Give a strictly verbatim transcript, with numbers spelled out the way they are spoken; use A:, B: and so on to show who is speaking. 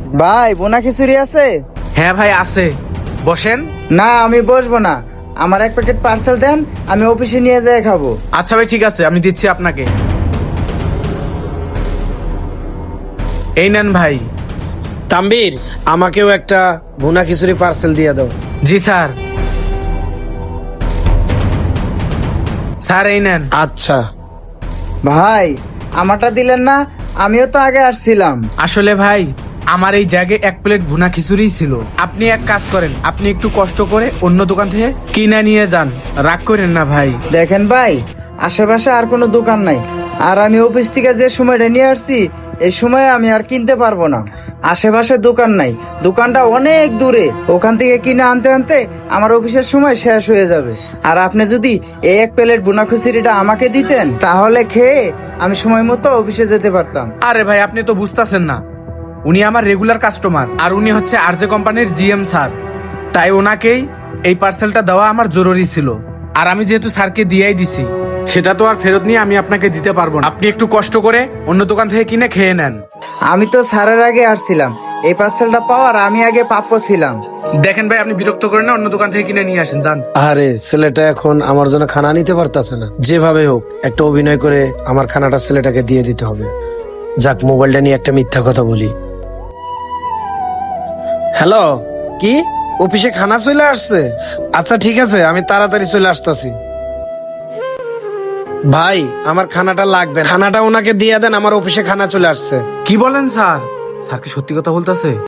A: ভাই বোনা খিচুড়ি আছে?
B: হ্যাঁ ভাই আছে, বসেন।
A: না আমি বসবো না, আমার এক প্যাকেট পার্সেল দেন, আমি অফিসে নিয়ে যেয়ে খাবো।
B: আচ্ছা ভাই ঠিক আছে, আমি দিচ্ছি আপনাকে। এই নেন ভাই।
C: তাম্বির, আমাকেও একটা ভুনা খিচুড়ি পার্সেল দিয়ে দাও।
B: জি স্যার। স্যার এই নেন।
C: আচ্ছা।
A: ভাই আমারটা দিলেন না? আমিও তো আগে আসছিলাম।
B: আসলে ভাই আমার এই জায়গায় এক প্লেট ভুনা খিচুড়ি ছিল। আপনি এক কাজ করেন, আপনি একটু কষ্ট করে অন্য দোকান থেকে কিনে নিয়ে যান, রাগ করেন না ভাই।
A: দেখেন ভাই, আশেপাশে আর কোনো দোকান নাই, আর আমি অফিস থেকে যে সময়টা নিয়ে আসছি এই সময় আমি আর কিনতে পারবো না। আশেপাশে দোকান নাই, দোকানটা অনেক দূরে, ওখান থেকে কিনে আনতে আনতে আমার অফিসের সময় শেষ হয়ে যাবে। আর আপনি যদি এই এক প্লেট ভুনা খিচুড়িটা আমাকে দিতেন তাহলে খেয়ে আমি সময় মতো অফিসে যেতে পারতাম।
B: আরে ভাই আপনি তো বুঝতেছেন না, উনি আমার রেগুলার কাস্টমার, আর উনি হচ্ছে আরজে কোম্পানির জিএম স্যার, তাই ওনাকেই এই পার্সেলটা দেওয়া আমার জরুরি ছিল। আর আমি যেহেতু স্যারকে দিয়েই দিছি, সেটা তো আর ফেরত নিয়ে আমি আপনাকে দিতে পারবো না। আপনি একটু কষ্ট করে অন্য দোকান থেকে কিনে খেয়ে নেন।
A: আমি তো স্যারের আগে আসছিলাম, এই পার্সেলটা পাওয়ার আমি আগে প্রাপ্য ছিলাম।
B: দেখেন ভাই আপনি বিরক্ত করেন না, অন্য দোকান থেকে কিনে নিয়ে আসেন, যান।
C: আরে ছেলেটা এখন আমার জন্য খানা নিতে পারতাছে না, যেভাবে হোক একটা অভিনয় করে আমার খানাটা ছেলেটাকে দিয়ে দিতে হবে। যাক, মোবাইলটা নিয়ে একটা মিথ্যা কথা বলি। হ্যালো, কি অফিসে খানা চলে আসছে? আচ্ছা ঠিক আছে, আমি তাড়াতাড়ি চলে আসতেছি। ভাই আমার খানাটা লাগবে, খানাটা ওনাকে দিয়ে দেন, আমার অফিসে খানা চলে আসছে।
B: কি বলেন স্যার? স্যার কি সত্যি কথা বলতেছে?